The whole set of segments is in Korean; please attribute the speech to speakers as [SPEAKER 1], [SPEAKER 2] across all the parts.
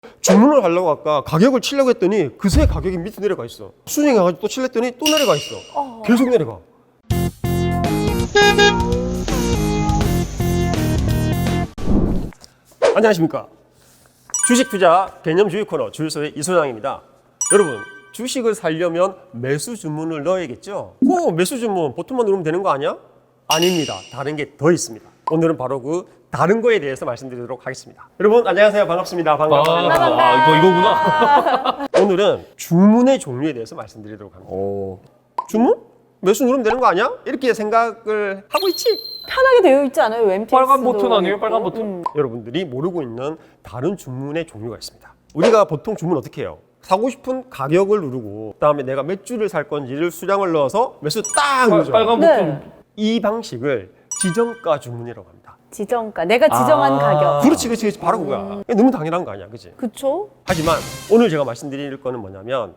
[SPEAKER 1] 주문을 하려고 아까 가격을 치려고 했더니 그새 가격이 밑에 내려가 있어. 수정해가지고 또 칠랬더니 또 내려가 있어. 계속 내려가. 안녕하십니까. 주식 투자 개념주의 코너 주유소의 이소장입니다. 여러분, 주식을 사려면 매수 주문을 넣어야겠죠? 매수 주문 버튼만 누르면 되는 거 아니야? 아닙니다. 다른 게 더 있습니다. 오늘은 바로 그 다른 거에 대해서 말씀드리도록 하겠습니다. 여러분 안녕하세요. 반갑습니다. 반갑습니다.
[SPEAKER 2] 이거구나.
[SPEAKER 1] 오늘은 주문의 종류에 대해서 말씀드리도록 합니다. 주문? 매수 누르면 되는 거 아니야? 이렇게 생각을 하고 있지?
[SPEAKER 3] 편하게 되어 있지 않아요? MTX도
[SPEAKER 2] 빨간 버튼 아니에요? 빨간 버튼?
[SPEAKER 1] 여러분들이 모르고 있는 다른 주문의 종류가 있습니다. 우리가 보통 주문 어떻게 해요? 사고 싶은 가격을 누르고 그다음에 내가 몇 주를 살 건지를 수량을 넣어서 매수 딱 누르죠.
[SPEAKER 2] 빨간 버튼.
[SPEAKER 1] 이 방식을 지정가 주문이라고 합니다.
[SPEAKER 3] 지정가. 내가 지정한 가격.
[SPEAKER 1] 그렇지. 바로 그거야. 너무 당연한 거 아니야, 그치?
[SPEAKER 3] 그쵸?
[SPEAKER 1] 하지만 오늘 제가 말씀드릴 거는 뭐냐면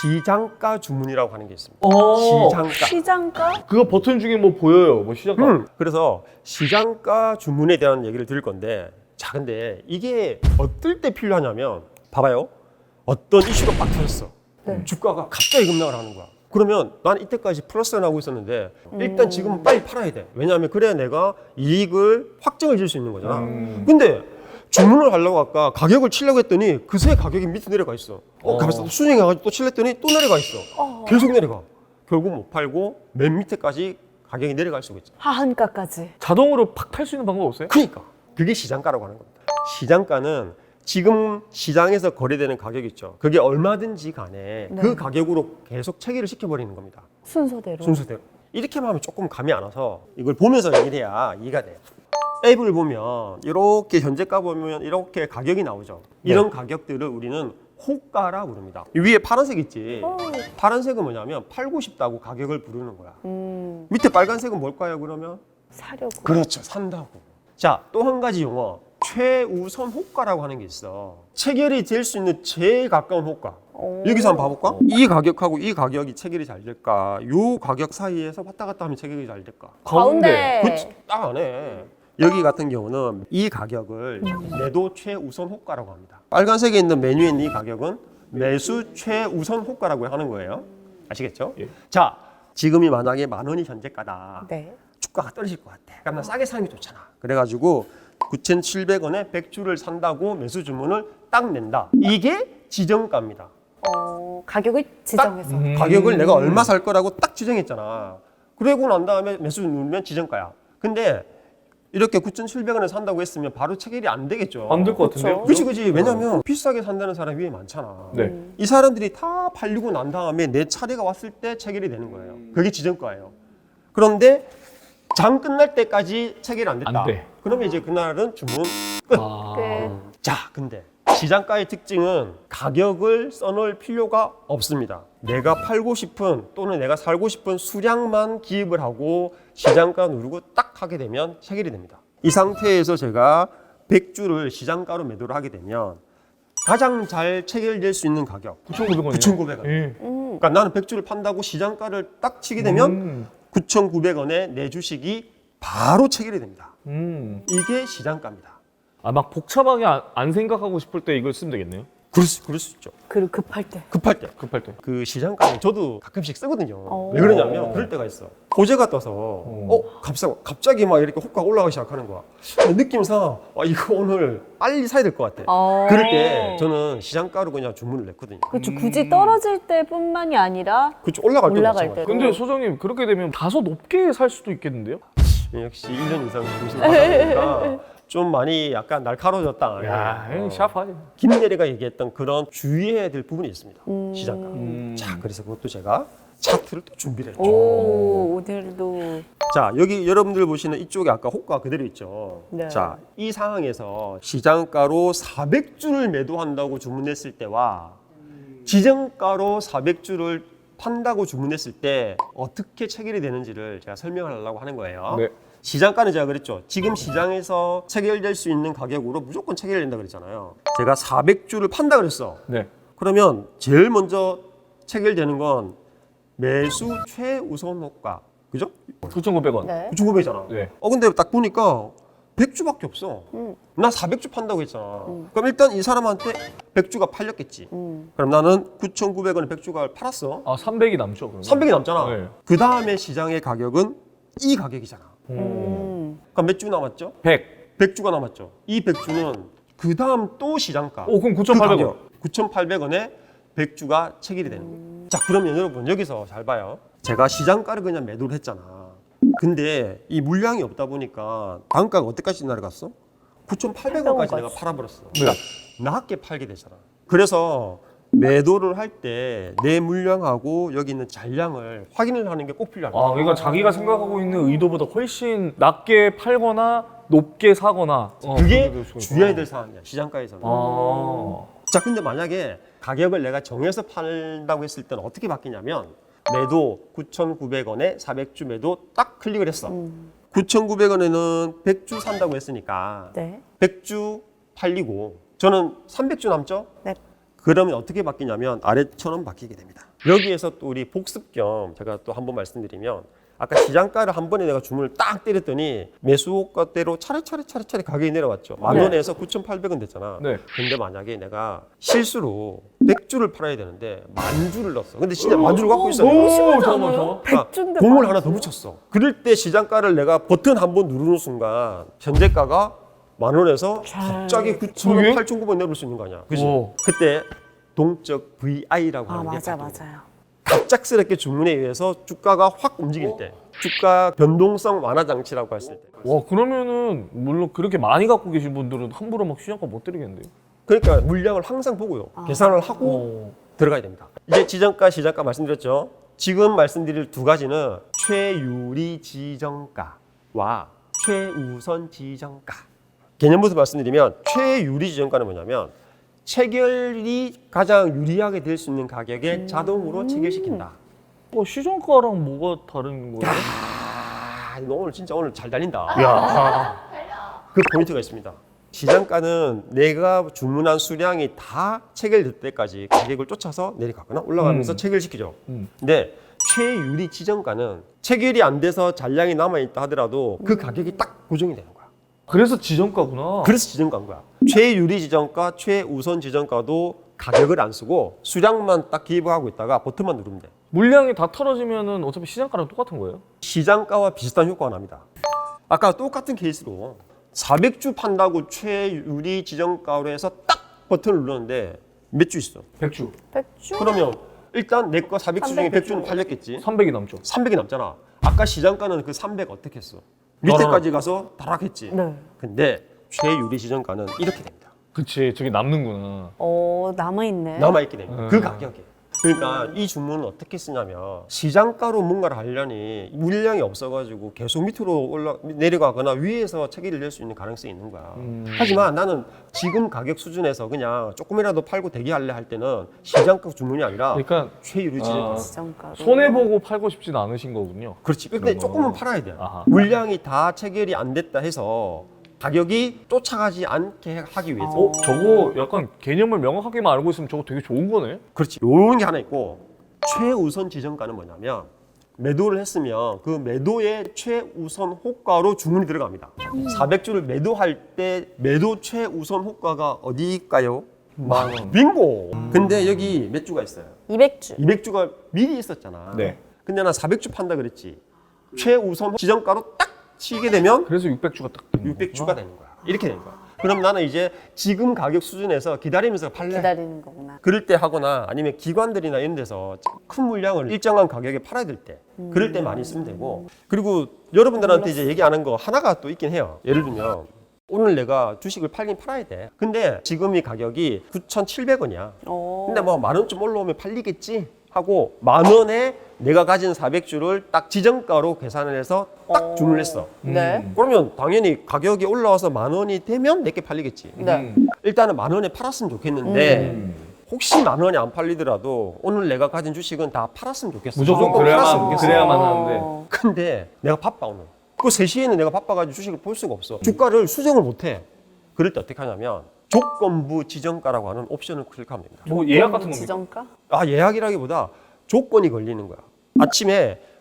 [SPEAKER 1] 시장가 주문이라고 하는 게 있습니다. 시장가.
[SPEAKER 3] 시장가?
[SPEAKER 2] 그거 버튼 중에 뭐 보여요? 뭐 시작가?
[SPEAKER 1] 그래서 시장가 주문에 대한 얘기를 드릴 건데, 자, 근데 이게 어떨 때 필요하냐면, 봐봐요. 어떤 이슈가 빡 터졌어.
[SPEAKER 3] 네.
[SPEAKER 1] 주가가 갑자기 급락을 하는 거야. 그러면 난 이때까지 플러스가 나오고 있었는데, 일단 지금은 빨리 팔아야 돼. 왜냐하면 그래야 내가 이익을 확정을 질 수 있는 거잖아. 근데 주문을 하려고 아까 가격을 치려고 했더니 그새 가격이 밑에 내려가 있어. 가면서 수정해가지고 또 칠랬더니 또 내려가 있어. 계속 내려가. 결국 못 팔고 맨 밑에까지 가격이 내려갈 수가 있죠.
[SPEAKER 3] 하한가까지.
[SPEAKER 2] 자동으로 팍 팔 수 있는 방법 없어요?
[SPEAKER 1] 그러니까 그게 시장가라고 하는 겁니다. 시장가는 지금 시장에서 거래되는 가격 있죠. 그게 얼마든지 간에
[SPEAKER 3] 네.
[SPEAKER 1] 그 가격으로 계속 체계를 시켜버리는 겁니다.
[SPEAKER 3] 순서대로.
[SPEAKER 1] 순서대로. 이렇게만 하면 조금 감이 안 와서 이걸 보면서 얘기를 해야 이해가 돼요. 앱을 보면 이렇게 현재가 보면 이렇게 가격이 나오죠. 이런 가격들을 우리는 호가라 부릅니다. 위에 파란색 있지. 파란색은 뭐냐면 팔고 싶다고 가격을 부르는 거야. 밑에 빨간색은 뭘까요, 그러면?
[SPEAKER 3] 사려고.
[SPEAKER 1] 그렇죠. 산다고. 자, 또 한 가지 용어. 최우선 호가라고 하는 게 있어. 체결이 될 수 있는 제일 가까운 호가. 여기서 한번 봐볼까? 이 가격하고 이 가격이 체결이 잘 될까? 요 가격 사이에서 왔다 갔다 하면 체결이 잘 될까?
[SPEAKER 3] 가운데.
[SPEAKER 1] 그렇지. 딱 안 해. 여기 같은 경우는 이 가격을 매도 최우선 호가라고 합니다. 빨간색에 있는 메뉴에 있는 이 가격은 매수 최우선 호가라고 하는 거예요. 아시겠죠?
[SPEAKER 2] 예.
[SPEAKER 1] 자, 지금이 만약에 10,000원이 현재가다.
[SPEAKER 3] 네.
[SPEAKER 1] 주가가 떨어질 것 같아. 그럼 나 싸게 사는 게 좋잖아. 그래가지고 9,700원에 100주를 산다고 매수 주문을 딱 낸다. 이게 지정가입니다.
[SPEAKER 3] 가격을 지정해서.
[SPEAKER 1] 가격을 내가 얼마 살 거라고 딱 지정했잖아. 그러고 난 다음에 매수 누르면 지정가야. 근데 이렇게 9,700원에 산다고 했으면 바로 체결이 안 되겠죠.
[SPEAKER 2] 안 될 것 같은데요?
[SPEAKER 1] 그렇지. 왜냐면 비싸게 산다는 사람이 위에 많잖아.
[SPEAKER 2] 네.
[SPEAKER 1] 이 사람들이 다 팔리고 난 다음에 내 차례가 왔을 때 체결이 되는 거예요. 그게 지정가예요. 그런데 장 끝날 때까지 체결이 안 됐다.
[SPEAKER 2] 안 돼.
[SPEAKER 1] 그러면 이제 그날은 주문 끝. 자, 근데 시장가의 특징은 가격을 써놓을 필요가 없습니다. 내가 팔고 싶은 또는 내가 살고 싶은 수량만 기입을 하고 시장가 누르고 딱 하게 되면 체결이 됩니다. 이 상태에서 제가 100주를 시장가로 매도를 하게 되면 가장 잘 체결될 수 있는 가격
[SPEAKER 2] 9,900원이요?
[SPEAKER 1] 9,900원.
[SPEAKER 2] 예.
[SPEAKER 1] 그러니까 나는 100주를 판다고 시장가를 딱 치게 되면 9,900원에 내 주식이 바로 체결이 됩니다. 이게 시장가입니다.
[SPEAKER 2] 아, 막 복잡하게 안 생각하고 싶을 때 이걸 쓰면 되겠네요?
[SPEAKER 1] 그럴 수 있죠.
[SPEAKER 3] 그리고 급할 때.
[SPEAKER 1] 급할 때.
[SPEAKER 2] 급할 때.
[SPEAKER 1] 그 시장가는 저도 가끔씩 쓰거든요. 왜 그러냐면 그럴 때가 있어. 호재가 떠서 갑자기 막 이렇게 호가가 올라가기 시작하는 거야. 느낌상 이거 오늘 빨리 사야 될 것 같아. 그럴 때 저는 시장가로 그냥 주문을 냈거든요.
[SPEAKER 3] 그렇죠. 굳이 떨어질 때뿐만이 아니라
[SPEAKER 1] 그렇죠. 올라갈 때도
[SPEAKER 3] 올라갈
[SPEAKER 1] 마찬가지.
[SPEAKER 3] 때.
[SPEAKER 2] 근데 소장님 그렇게 되면 다소 높게 살 수도 있겠는데요?
[SPEAKER 1] 역시 1년 이상 중심 하다 보니까 좀 많이 약간 날카로워졌다.
[SPEAKER 2] 야, 샤프하지.
[SPEAKER 1] 김내리가 얘기했던 그런 주의해야 될 부분이 있습니다. 시장가. 자, 그래서 그것도 제가 차트를 또 준비를 했죠.
[SPEAKER 3] 오늘도.
[SPEAKER 1] 자, 여기 여러분들 보시는 이쪽에 아까 호가 그대로 있죠.
[SPEAKER 3] 네.
[SPEAKER 1] 자, 이 상황에서 시장가로 400주를 매도한다고 주문했을 때와 지정가로 400주를 판다고 주문했을 때 어떻게 체결이 되는지를 제가 설명을 하려고 하는 거예요.
[SPEAKER 2] 네.
[SPEAKER 1] 시장가는 제가 그랬죠. 지금 시장에서 체결될 수 있는 가격으로 무조건 체결된다 그랬잖아요. 제가 400주를 판다 그랬어.
[SPEAKER 2] 네.
[SPEAKER 1] 그러면 제일 먼저 체결되는 건 매수 최우선 호가. 그죠?
[SPEAKER 2] 9,900원.
[SPEAKER 3] 네.
[SPEAKER 1] 9,900이잖아.
[SPEAKER 2] 네.
[SPEAKER 1] 근데 딱 보니까 100주밖에 없어. 나 400주 판다고 했잖아. 그럼 일단 이 사람한테 100주가 팔렸겠지. 그럼 나는 9,900원에 100주가 팔았어.
[SPEAKER 2] 아 300이 남죠 그러면?
[SPEAKER 1] 300이 남잖아.
[SPEAKER 2] 네.
[SPEAKER 1] 그 다음에 시장의 가격은 이 가격이잖아. 그럼 몇 주 남았죠?
[SPEAKER 2] 100.
[SPEAKER 1] 100주가 남았죠. 이 100주는 그 다음 또 시장가.
[SPEAKER 2] 오 그럼 9,800원.
[SPEAKER 1] 9,800원에 100주가 체결이 되는 거예요. 자, 그러면 여러분 여기서 잘 봐요. 제가 시장가를 그냥 매도를 했잖아. 근데 이 물량이 없다 보니까 단가가 어디까지 내려갔어? 9,800원까지 내가 팔아버렸어. 그러니까 낮게 팔게 되잖아. 그래서 매도를 할 때 내 물량하고 여기 있는 잔량을 확인을 하는 게 꼭 필요한 거야.
[SPEAKER 2] 아 그러니까 자기가 생각하고 있는 의도보다 훨씬 낮게 팔거나 높게 사거나
[SPEAKER 1] 그게
[SPEAKER 2] 그렇게 될 수가
[SPEAKER 1] 주의해야
[SPEAKER 2] 있구나.
[SPEAKER 1] 될 사항이야. 시장가에서는.
[SPEAKER 2] 아.
[SPEAKER 1] 자, 근데 만약에 가격을 내가 정해서 팔다고 했을 때는 어떻게 바뀌냐면 매도 9,900원에 400주 매도 딱 클릭을 했어. 9,900원에는 100주 산다고 했으니까
[SPEAKER 3] 네.
[SPEAKER 1] 100주 팔리고 저는 300주 남죠?
[SPEAKER 3] 네.
[SPEAKER 1] 그러면 어떻게 바뀌냐면 아래처럼 바뀌게 됩니다. 여기에서 또 우리 복습 겸 제가 또 한번 말씀드리면 아까 시장가를 한 번에 내가 주문을 딱 때렸더니 매수가대로 차례차례 가격이 내려왔죠. 만
[SPEAKER 3] 네.
[SPEAKER 1] 원에서 9,800원 됐잖아.
[SPEAKER 2] 네.
[SPEAKER 1] 근데 만약에 내가 실수로 100주를 팔아야 되는데 만 주를 넣었어. 근데 진짜 만 주를 갖고 있어.
[SPEAKER 2] 너무
[SPEAKER 3] 심하지
[SPEAKER 2] 잠깐만,
[SPEAKER 3] 않아요?
[SPEAKER 2] 잠깐만.
[SPEAKER 3] 100주인데
[SPEAKER 1] 공을 하나 더 붙였어. 그럴 때 시장가를 내가 버튼 한 번 누르는 순간 현재가가 만 원에서 갑자기 9,000원,
[SPEAKER 2] 그러게?
[SPEAKER 1] 8,900원 내볼 수 있는 거 아니야. 그지?
[SPEAKER 2] 오.
[SPEAKER 1] 그때 동적 VI라고
[SPEAKER 3] 아
[SPEAKER 1] 하는 게
[SPEAKER 3] 맞아
[SPEAKER 1] 작동해.
[SPEAKER 3] 맞아요.
[SPEAKER 1] 갑작스럽게 주문에 의해서 주가가 확 움직일 때, 주가 변동성 완화 장치라고 했을 때.
[SPEAKER 2] 와 그러면은 물론 그렇게 많이 갖고 계신 분들은 함부로 막 시장가 못 드리겠는데요?
[SPEAKER 1] 그러니까 물량을 항상 보고요. 계산을 하고
[SPEAKER 2] 오.
[SPEAKER 1] 들어가야 됩니다. 이제 지정가, 시장가 말씀드렸죠. 지금 말씀드릴 두 가지는 최유리 지정가와 최우선 지정가. 개념부터 말씀드리면 최유리 지정가는 뭐냐면 체결이 가장 유리하게 될 수 있는 가격에 자동으로 체결시킨다.
[SPEAKER 2] 시장가랑 뭐가 다른 거예요?
[SPEAKER 1] 아, 너 오늘 진짜 오늘 잘 달린다.
[SPEAKER 2] 야.
[SPEAKER 1] 그 포인트가 있습니다. 시장가는 내가 주문한 수량이 다 체결될 때까지 가격을 쫓아서 내려가거나 올라가면서 체결시키죠. 근데 최유리 지정가는 체결이 안 돼서 잔량이 남아있다 하더라도 그 가격이 딱 고정이 되는 거야.
[SPEAKER 2] 그래서 지정가구나.
[SPEAKER 1] 그래서 지정가인 거야. 최유리 지정가, 최우선 지정가도 가격을 안 쓰고 수량만 딱 기입하고 있다가 버튼만 누르면 돼.
[SPEAKER 2] 물량이 다 털어지면은 어차피 시장가랑 똑같은 거예요?
[SPEAKER 1] 시장가와 비슷한 효과가 납니다. 아까 똑같은 케이스로 400주 판다고 최유리 지정가로 해서 딱 버튼을 눌렀는데 몇 주 있어?
[SPEAKER 2] 100주.
[SPEAKER 3] 100주?
[SPEAKER 1] 그러면 일단 내 거 400주 중에 100주는 팔렸겠지?
[SPEAKER 2] 300이 남죠.
[SPEAKER 1] 300이 남잖아. 아까 시장가는 그 300 어떻게 했어? 밑에까지 가서 다락했지?
[SPEAKER 3] 네.
[SPEAKER 1] 근데 최유리 지정가는 이렇게 됩니다.
[SPEAKER 2] 그치 저게 남는구나.
[SPEAKER 3] 남아있네.
[SPEAKER 1] 남아있게 됩니다. 그 가격에. 그러니까 이 주문은 어떻게 쓰냐면 시장가로 뭔가를 하려니 물량이 없어가지고 계속 밑으로 내려가거나 위에서 체계를 낼 수 있는 가능성이 있는 거야. 하지만 나는 지금 가격 수준에서 그냥 조금이라도 팔고 대기할래 할 때는 시장가 주문이 아니라
[SPEAKER 2] 그러니까
[SPEAKER 1] 최유리 지정가.
[SPEAKER 3] 지정가로.
[SPEAKER 2] 손해보고 팔고 싶진 않으신 거군요.
[SPEAKER 1] 그렇지. 근데 조금은 팔아야 돼.
[SPEAKER 2] 아하.
[SPEAKER 1] 물량이 다 체결이 안 됐다 해서 가격이 쫓아가지 않게 하기 위해서.
[SPEAKER 2] 저거 약간 개념을 명확하게만 알고 있으면 저거 되게 좋은 거네?
[SPEAKER 1] 그렇지. 요런 게 하나 있고 최우선 지정가는 뭐냐면 매도를 했으면 그 매도의 최우선 호가로 주문이 들어갑니다. 400주를 매도할 때 매도 최우선 호가가 어디일까요?
[SPEAKER 2] 만 원.
[SPEAKER 1] 빙고. 근데 여기 몇 주가 있어요?
[SPEAKER 3] 200주.
[SPEAKER 1] 200주가 미리 있었잖아.
[SPEAKER 2] 네.
[SPEAKER 1] 근데 난 400주 판다 그랬지. 최우선 지정가로 딱 치게 되면
[SPEAKER 2] 그래서 600주가 딱 되는
[SPEAKER 1] 600주가 되는 거야. 이렇게 되는 거야. 그럼 나는 이제 지금 가격 수준에서 기다리면서 팔래.
[SPEAKER 3] 기다리는 거구나.
[SPEAKER 1] 그럴 때 하거나 아니면 기관들이나 이런 데서 큰 물량을 일정한 가격에 팔아야 될 때 그럴 때 많이 쓰면 되고 그리고 여러분들한테 이제 얘기하는 거 하나가 또 있긴 해요. 예를 들면 오늘 내가 주식을 팔긴 팔아야 돼. 근데 지금 이 가격이 9,700원이야. 근데 뭐 만 원쯤 올라오면 팔리겠지 하고 만 원에 내가 가진 400주를 딱 지정가로 계산을 해서 딱 주문을 했어.
[SPEAKER 3] 네.
[SPEAKER 1] 그러면 당연히 가격이 올라와서 만 원이 되면 내게 팔리겠지.
[SPEAKER 3] 네.
[SPEAKER 1] 일단은 만 원에 팔았으면 좋겠는데 혹시 만 원이 안 팔리더라도 오늘 내가 가진 주식은 다 팔았으면 좋겠어.
[SPEAKER 2] 무조건
[SPEAKER 1] 팔았으면
[SPEAKER 2] 그래야만 하는데.
[SPEAKER 1] 근데 내가 바빠 오늘. 그 3시에는 내가 바빠가지고 주식을 볼 수가 없어. 주가를 수정을 못해. 그럴 때 어떻게 하냐면 조건부 지정가라고 하는 옵션을 클릭하면 됩니다.
[SPEAKER 2] 뭐 예약 같은 겁니까?
[SPEAKER 3] 지정가?
[SPEAKER 1] 예약이라기보다 조건이 걸리는 거야. 아침에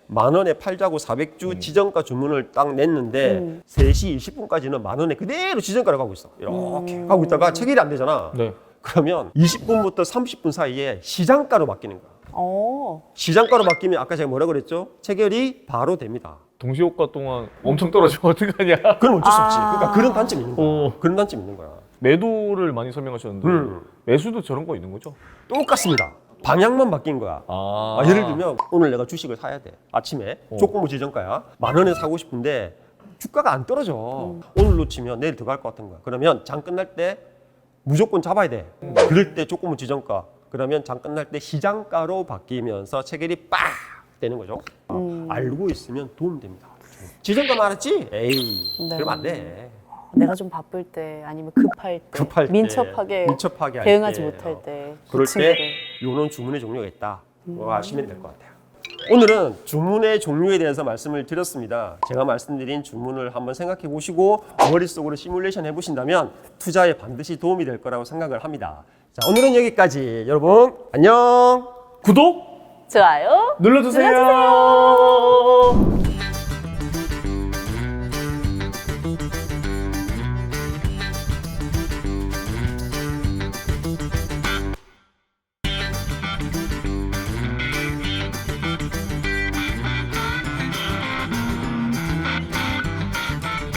[SPEAKER 1] 10,000원에 팔자고 400주 지정가 주문을 딱 냈는데 3시 20분까지는 10,000원에 그대로 지정가로 가고 있어. 이렇게 가고 있다가 체결이 안 되잖아.
[SPEAKER 2] 네.
[SPEAKER 1] 그러면 20분부터 30분 사이에 시장가로 바뀌는 거야. 시장가로 바뀌면 아까 제가 뭐라 그랬죠? 체결이 바로 됩니다.
[SPEAKER 2] 동시효과 동안 엄청 떨어지면 어떡하냐.
[SPEAKER 1] 그럼 어쩔 수 없지. 그러니까 그런 단점이 있는 거야.
[SPEAKER 2] 어.
[SPEAKER 1] 그런 단점이 있는 거야.
[SPEAKER 2] 매도를 많이 설명하셨는데 매수도 저런 거 있는 거죠?
[SPEAKER 1] 똑같습니다. 방향만 바뀐 거야.
[SPEAKER 2] 아,
[SPEAKER 1] 예를 들면 오늘 내가 주식을 사야 돼. 아침에 조건부 지정가야. 10,000원에 사고 싶은데 주가가 안 떨어져. 오늘 놓치면 내일 들어갈 것 같은 거야. 그러면 장 끝날 때 무조건 잡아야 돼. 그럴 때 조건부 지정가. 그러면 장 끝날 때 시장가로 바뀌면서 체결이 빡 되는 거죠. 알고 있으면 도움됩니다. 지정가 말했지? 에이,
[SPEAKER 3] 네.
[SPEAKER 1] 그러면 안 돼.
[SPEAKER 3] 내가 좀 바쁠 때 아니면 급할 때,
[SPEAKER 1] 급할 때,
[SPEAKER 3] 민첩하게
[SPEAKER 1] 할
[SPEAKER 3] 대응하지
[SPEAKER 1] 때,
[SPEAKER 3] 못할 때
[SPEAKER 1] 그럴
[SPEAKER 3] 그 친구를.
[SPEAKER 1] 때 요런 주문의 종류가 있다. 그거 아시면 될 것 같아요. 오늘은 주문의 종류에 대해서 말씀을 드렸습니다. 제가 말씀드린 주문을 한번 생각해 보시고 머릿속으로 시뮬레이션 해보신다면 투자에 반드시 도움이 될 거라고 생각을 합니다. 자, 오늘은 여기까지. 여러분 안녕.
[SPEAKER 2] 구독
[SPEAKER 3] 좋아요
[SPEAKER 2] 눌러주세요.